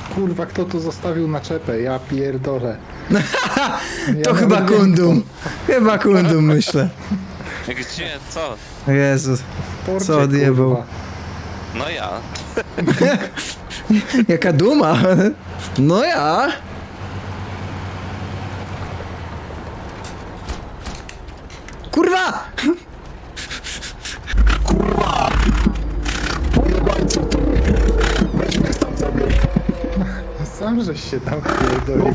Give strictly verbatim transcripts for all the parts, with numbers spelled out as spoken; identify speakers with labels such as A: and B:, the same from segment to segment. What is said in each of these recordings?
A: Kurwa, kto tu zostawił naczepę? Ja pierdolę.
B: To
A: Ja
B: chyba
A: nawet wiem,
B: Kundum. Chyba Kundum, myślę.
C: Gdzie? Co?
B: Jezu,
A: w porcie,
B: co odjebał.
A: kurwa.
C: No ja.
B: Jaka duma. No ja. Kurwa!
A: Sam żeś się tam pierdolił.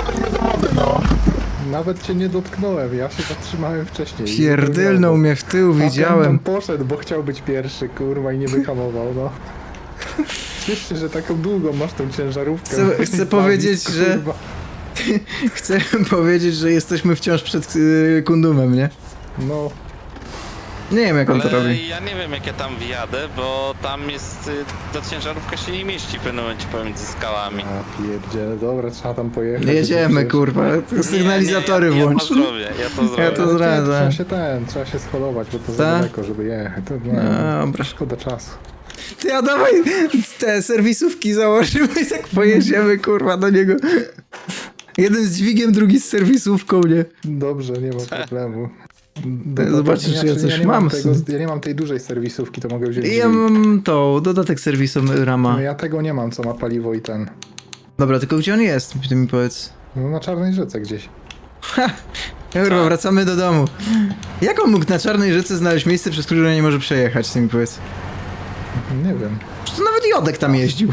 A: Nawet cię nie dotknąłem, ja się zatrzymałem wcześniej.
B: Pierdylnął mnie w tył,
A: Widziałem.
B: widziałem.
A: Poszedł, bo chciał być pierwszy, kurwa, i nie wyhamował, no. Ciesz się, że taką długą masz tą ciężarówkę.
B: Chcę- chcę
A: Zabić,
B: powiedzieć, że-
A: kurwa.
B: Chcę powiedzieć, że jesteśmy wciąż przed y, Kundumem, nie?
A: No,
B: Nie wiem, jak on to
C: Ale
B: robi.
C: ja nie wiem jak ja tam wjadę, bo tam jest... y, Ta ciężarówka się nie mieści w pewnym momencie pomiędzy skałami.
A: a pierdziele, dobra, trzeba tam pojechać.
B: Jedziemy,
A: Przecież-
B: kurwa. Sygnalizatory
C: nie, nie, ja,
B: włącz.
C: Ja to zrobię, ja to zrobię.
B: Ja to
A: Ale
B: zrobię.
A: Trzeba się ten, trzeba się scholować, bo to za
B: Ta?
A: daleko, żeby jechać. To, no,
B: Dobra.
A: szkoda czasu.
B: Ty, a dawaj te serwisówki założymy i tak pojedziemy, kurwa, do niego. Jeden z dźwigiem, drugi z serwisówką, nie?
A: Dobrze, nie ma problemu.
B: Zobaczysz, czy ja coś
A: nie
B: mam w
A: Tego,
B: sumie.
A: ja nie mam tej dużej serwisówki, to mogę wziąć
B: I ja
A: dźwig.
B: mam tą, dodatek serwisu Rama.
A: No ja tego nie mam, co ma paliwo i ten.
B: Dobra, tylko gdzie on jest? Ty mi powiedz.
A: No na Czarnej Rzece gdzieś.
B: Ha! Kurwa, wracamy do domu. Jak on mógł na Czarnej Rzece znaleźć miejsce, przez które nie może przejechać, ty mi powiedz?
A: Nie wiem.
B: Przecież to nawet Jodek tam jeździł.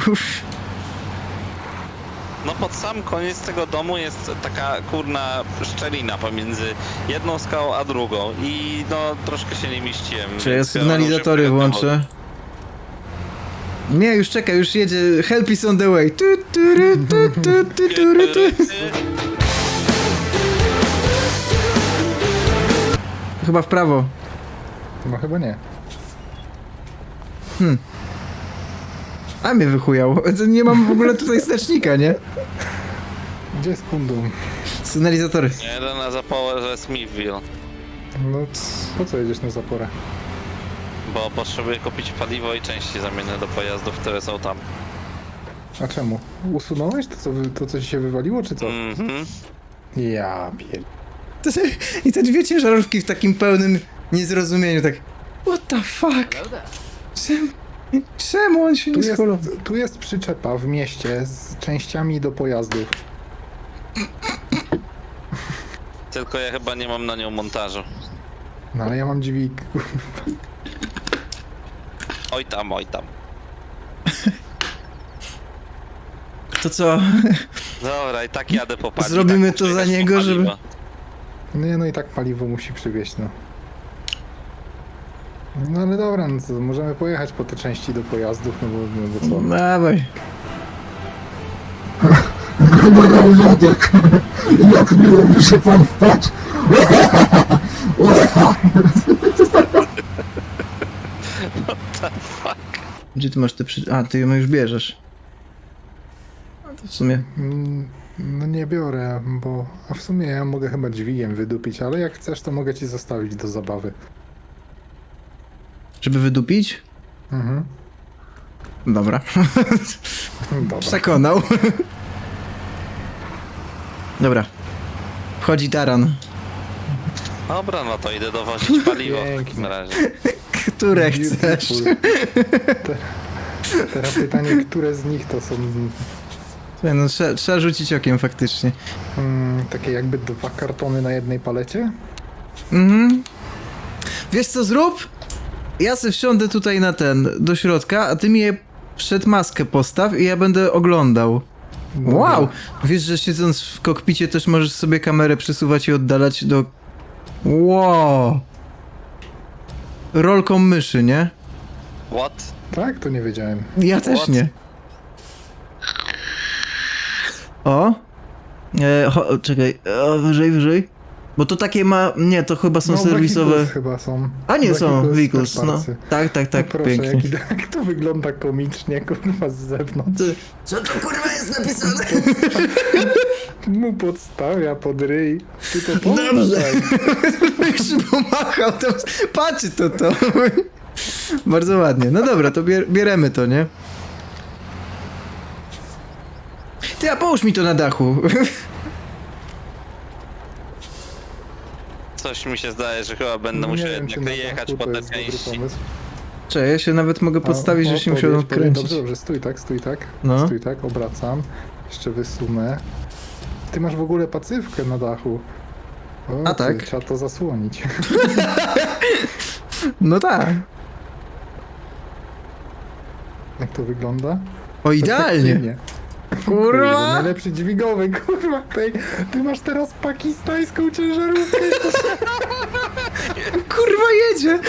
C: No pod sam koniec tego domu jest taka kurna szczelina pomiędzy jedną skałą a drugą i no troszkę się nie mieściłem.
B: Czy ja
C: więc
B: sygnalizatory
C: szybko
B: włączę? Nie, już czekaj, już jedzie. Help is on the way. Tu, tu, ru, tu, tu, tu, tu, ru, tu. Chyba w prawo.
A: No chyba nie.
B: A mnie wychujał. Nie mam w ogóle tutaj znacznika, nie?
A: Gdzie jest Kundum?
B: Sygnalizatory.
C: Jeden na zaporze Smithville,
A: No po co jedziesz na zaporę?
C: bo potrzebuję kupić paliwo i części zamienne do pojazdów, które są tam.
A: A czemu? Usunąłeś to, co, wy- to, co ci się wywaliło, czy co?
C: Mhm.
A: Ja pier...
B: To se- I te dwie ciężarówki w takim pełnym niezrozumieniu, tak. What the fuck? Czemu, czemu on się
A: Tu
B: nie
A: jest,
B: scholował?
A: tu jest przyczepa w mieście z częściami do pojazdów.
C: Tylko ja chyba nie mam na nią montażu.
A: No ale ja mam dźwig.
C: Oj tam, oj tam.
B: To co?
C: Dobra, i tak jadę po paliwo.
B: Zrobimy
C: tak
B: to
C: muszę
B: za
C: jechać po
B: niego, żeby-
C: paliwo.
A: Nie, no i tak paliwo musi przywieźć, no. No ale dobra, no to możemy pojechać po te części do pojazdów, no bo, no bo co?
B: Dawaj.
D: Jadek, jak miło mi się pan wpadł.
B: Gdzie ty masz te przy... A, ty ją już bierzesz. A to w sumie...
A: Mm, No nie biorę, bo... A w sumie ja mogę chyba dźwigiem wydupić, ale jak chcesz, to mogę ci zostawić do zabawy.
B: Żeby wydupić?
A: Mhm.
B: Dobra.
A: Dobra.
B: Przekonał. Dobra. Wchodzi taran.
C: Dobra, no to idę dowozić paliwo w
A: Pięknie.
C: takim razie.
B: Które chcesz?
A: Beautiful. Te, teraz pytanie, które z nich to są
B: Słuchaj, no trzeba, trzeba rzucić okiem faktycznie.
A: mm, takie jakby dwa kartony na jednej palecie?
B: Mhm. Wiesz co zrób? Ja se wsiądę tutaj na ten, do środka, a ty mi je przed maskę postaw i ja będę oglądał.
A: Dobra.
B: Wow! Wiesz, że siedząc w kokpicie też możesz sobie kamerę przesuwać i oddalać do... Wow! Rolką myszy, nie?
C: What?
A: Tak? To nie wiedziałem.
B: Ja też
C: What?
B: nie. O! E, cho, czekaj, o, wyżej, wyżej. Bo to takie ma... Nie, to chyba są
A: No,
B: serwisowe...
A: vehicles chyba są.
B: A nie, są
A: Vehicles,
B: vehicles,
A: third
B: no.
A: party.
B: Tak, tak, tak,
A: No proszę,
B: pięknie.
A: jaki, jak to wygląda komicznie, kurwa, z zewnątrz.
B: Co to kurwa jest napisane?
A: Mu podstawia pod ryj. Ty to
B: Dobrze.
A: pomyśl.
B: Już pomachał, to patrzy to to. Bardzo ładnie. No dobra, to bier bieremy to, nie? Ty, a połóż mi to na dachu.
C: Coś mi się zdaje, że chyba będę
A: Nie
C: musiał
A: wiem, czy
C: jednak
A: na
C: jechać
A: dachu
C: po
A: to
C: te
A: jest dobry
C: części.
A: pomysł.
B: Cześć, ja się nawet mogę podstawić,
A: A,
B: że
A: o,
B: się musiał
A: podjedź, podjedź.
B: odkręcić.
A: Dobrze, dobrze, stój tak, stój tak.
B: No.
A: Stój tak, obracam. Jeszcze wysunę. Ty masz w ogóle pacywkę na dachu. O,
B: A
A: ty,
B: tak?
A: Trzeba to zasłonić.
B: No tak.
A: Jak to wygląda?
B: O, idealnie.
A: Perfekcyjnie. Kurde,
B: Kurwa!
A: najlepszy dźwigowy, kurwa. Tej, ty masz teraz pakistańską ciężarówkę.
B: Kurwa jedzie!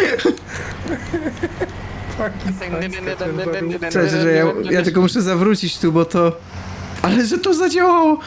A: Pakistańska ciężarówka.
B: Cześć, że ja, ja tylko muszę zawrócić tu, bo to... Ale że to zadziałało!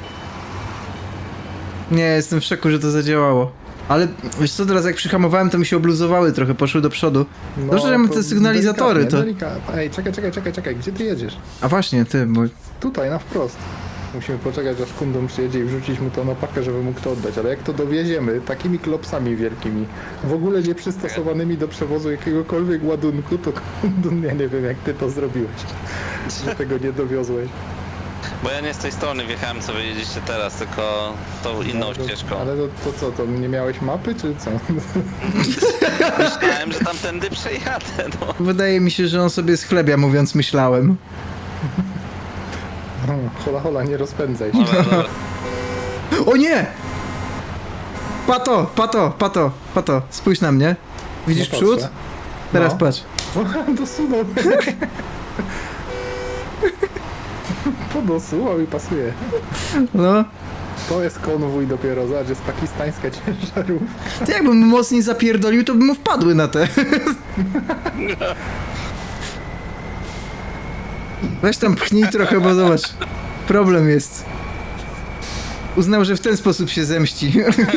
B: Nie, jestem w szoku, że to zadziałało. Ale wiesz co, teraz jak przyhamowałem, to mi się obluzowały trochę, poszły do przodu.
A: No,
B: Dobrze, że mam
A: to
B: te sygnalizatory, to...
A: delikatnie, delikatnie. Ej, czekaj, czekaj, czekaj, czekaj, gdzie ty jedziesz?
B: A właśnie, ty, bo...
A: Tutaj, na wprost. Musimy poczekać, aż kundom przyjedzie i wrzucić mu to na pakę, żeby mógł to oddać. Ale jak to dowieziemy takimi klopsami wielkimi, w ogóle nie przystosowanymi do przewozu jakiegokolwiek ładunku, to kundum, ja nie wiem, jak ty to zrobiłeś, że tego nie dowiozłeś.
C: Bo ja nie z tej strony wjechałem, co wy jedziecie teraz, tylko tą inną
A: No, to-
C: ścieżką.
A: Ale to, to co, to nie miałeś mapy, czy co?
C: Myślałem, że tamtędy przejadę, no.
B: Wydaje mi się, że on sobie schlebia, mówiąc myślałem.
A: Hola, hola, nie rozpędzaj się.
C: Dobra, dobra.
B: O nie! Pato, pato, pato, pato, spójrz na mnie. Widzisz
A: No
B: przód?
A: patrzę.
B: Teraz
A: No.
B: patrz.
A: O, dosunął. Podosuwał i pasuje.
B: No.
A: To jest konwój dopiero, zobacz, jest pakistańska ciężarówka.
B: Ty jakbym mocniej zapierdolił, to by mu wpadły na te. Weź tam pchnij trochę, bo zobacz. Problem jest. Uznał, że w ten sposób się zemści.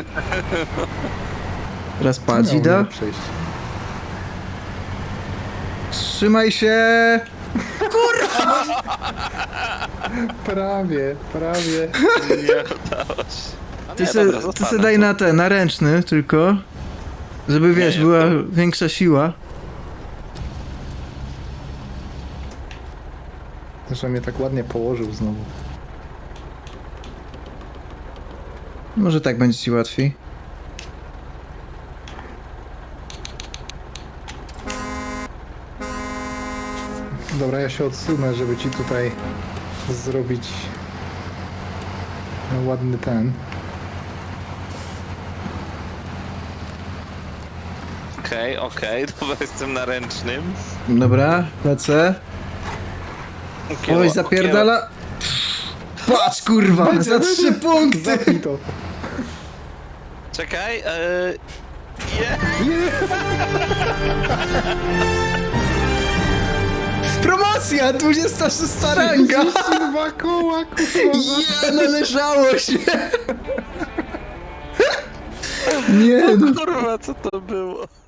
B: Raz patrz,
A: Miał
B: Ida.
A: mnie przejść.
B: Trzymaj się.
A: Prawie, prawie.
C: Nie udało się. A
B: Ty
C: nie,
B: se,
C: dobra,
B: ty
C: zostanę
B: se daj
C: tu.
B: na ten, na ręczny tylko. Żeby wiesz,
C: nie,
B: była
C: to-
B: większa siła.
A: Że mnie tak ładnie położył znowu.
B: Może tak będzie ci łatwiej.
A: Dobra, ja się odsunę, żeby ci tutaj zrobić ładny ten.
C: Okej, okej, dobra, jestem na ręcznym.
B: Dobra, lecę.
C: Kierowa-
B: Oj, zapierdala. Patrz kurwa, za trzy punkty.
A: Zapnij to.
C: Czekaj, eee... Je!
B: Promocja, dwudziesta szósta ranga.
A: Dwa koła, kurwa.
B: Ja, należało się. Nie no.
C: Kurwa, co to było?